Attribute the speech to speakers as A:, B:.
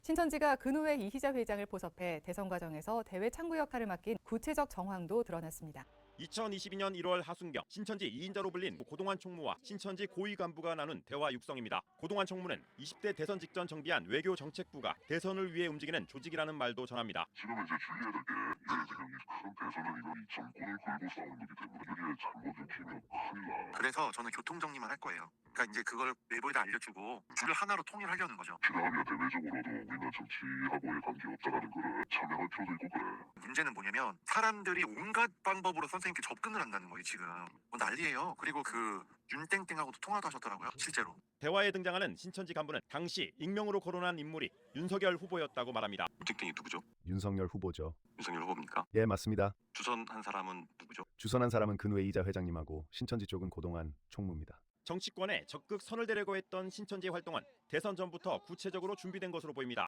A: 신천지가 근후에 이희자 회장을 포섭해 대선 과정에서 대외 창구 역할을 맡긴 구체적 정황도 드러났습니다.
B: 2022년 1월 하순경 신천지 2인자로 불린 고동환 총무와 신천지 고위 간부가 나눈 대화 육성입니다. 고동환 총무는 20대 대선 직전 정비한 외교정책부가 대선을 위해 움직이는 조직이라는 말도 전합니다.
C: 지금은 이제 주의해야 될 게 큰 대선은 이건 정권을 걸고 싸우는 거기 때문에 이게 잘못을 피면 큰일 나.
D: 그래서 저는 교통정리만 할 거예요. 그러니까 이제 그걸 외부에다 알려주고 줄을 하나로 통일하려는 거죠.
C: 지나가면 대외적으로도 우리는 정치하고의 관계없다라는 거를 참여할 필요도 있고 그래.
D: 문제는 뭐냐면 사람들이 온갖 방법으로 선생님께 접근을 한다는 거예요. 지금 뭐 난리예요. 그리고 그 윤땡땡하고도 통화도 하셨더라고요. 실제로.
B: 대화에 등장하는 신천지 간부는 당시 익명으로 거론한 인물이 윤석열 후보였다고 말합니다.
D: 윤땡땡이 누구죠?
E: 윤석열 후보죠.
D: 윤석열 후보입니까?
E: 예, 맞습니다.
D: 주선한 사람은 누구죠?
E: 주선한 사람은 근후에 이희자 회장님하고 신천지 쪽은 고동환 총무입니다.
B: 정치권에 적극 선을 대려고 했던 신천지의 활동은 대선 전부터 구체적으로 준비된 것으로 보입니다.